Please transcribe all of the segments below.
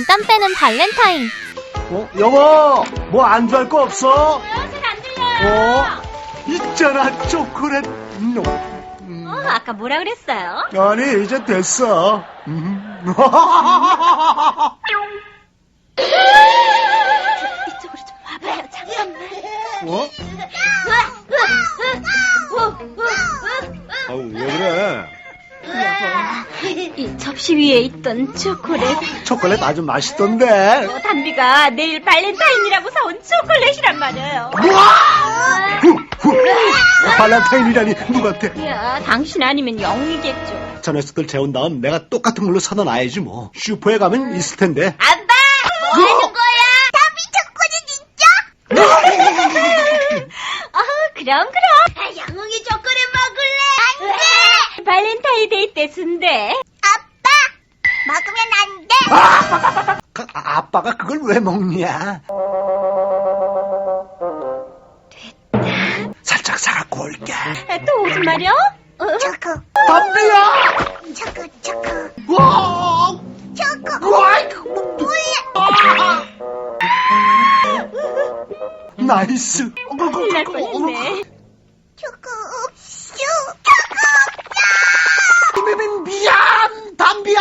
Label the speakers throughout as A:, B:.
A: 진땀 빼는 발렌타인.
B: 여보, 뭐 안주할 거 없어?
C: 잘 안 들려요.
B: 있잖아, 초콜릿.
C: 아까 뭐라 그랬어요?
B: 아니, 이제 됐어.
C: 이쪽으로 좀 와봐요. 잠깐만.
B: 아우, 왜 그래?
C: 이 접시 위에 있던 초콜릿.
B: 초콜릿 아주 맛있던데.
C: 담비가 내일 발렌타인이라고 사온 초콜릿이란 말이에요.
B: 발렌타인이라니, 누구한테?
C: 야, 당신 아니면 영이겠죠.
B: 저 녀석들 재운 다음 내가 똑같은 걸로 사다 놔야지 뭐. 슈퍼에 가면 있을 텐데.
C: 아빠! 뭐 하는 거야? 담비 초콜릿 진짜? 그럼. 영웅이 초콜릿 먹을래? 안 돼! 발렌타인데이 때 순대. 아빠! 먹으면 안 돼!
B: 아빠가 그걸 왜 먹냐? 살짝 사갖고 올게.
C: 또 오지 말여? 초코.
B: 담비야!
C: 초코.
B: 와!
C: 초코.
B: 나이스.
C: 큰일 날 뻔했네. 초코 없슈.
B: 미안, 담비야.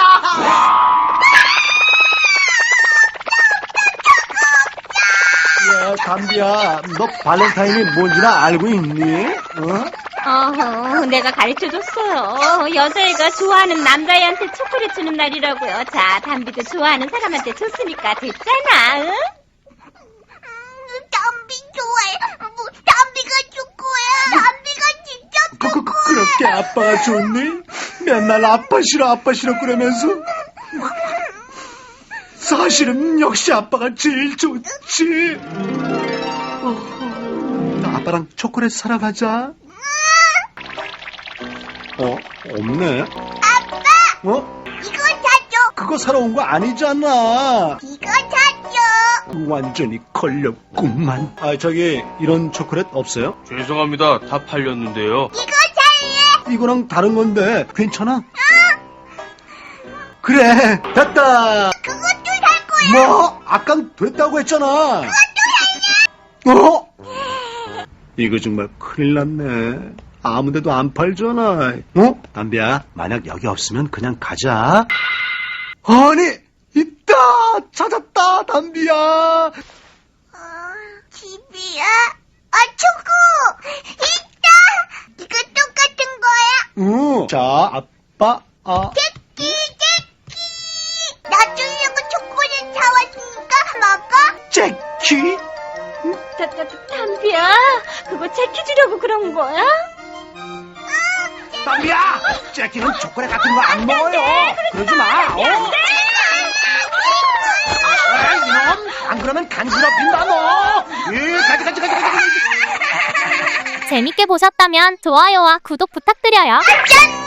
B: 야, 담비야, 너 발렌타인이 뭔지나 알고 있니?
C: 내가 가르쳐줬어요. 여자애가 좋아하는 남자애한테 초콜릿 주는 날이라고요. 자, 담비도 좋아하는 사람한테 줬으니까 됐잖아. 응? 담비 좋아해. 담비가 줄 거야. 담비가 진짜 줄 거야.
B: 그렇게 아빠가 좋니? 맨날 아빠 싫어 그러면서. 사실은 역시 아빠가 제일 좋지. 아빠랑 초콜릿 사러 가자. 없네.
C: 아빠!
B: 이거
C: 사줘.
B: 그거 사러 온 거 아니잖아.
C: 이거 사줘.
B: 완전히 걸렸구만. 저기 이런 초콜릿 없어요?
D: 죄송합니다. 다 팔렸는데요.
C: 이거 살래.
B: 이거랑 다른 건데 괜찮아? 그래, 됐다.
C: 그것도 살 거야.
B: 뭐? 아깐 됐다고 했잖아. 이거 정말 큰일 났네. 아무데도 안 팔잖아. 담비야, 만약 여기 없으면 그냥 가자. 아니, 있다. 찾았다, 담비야.
C: 집이야? 초코! 있다! 이거 똑같은 거야?
B: 자, 아빠,
C: 제끼! 나 주려고 초콜릿 사왔으니까 먹어?
B: 제키?
C: 담비야, 그거 제끼 주려고 그런 거야?
B: 담비야, 제키는 초콜릿 같은 거 안 먹어요. 그러지 마. 이놈, 안 그러면 간지럽힌다, 너. 가지.
A: 재밌게 보셨다면 좋아요와 구독 부탁드려요.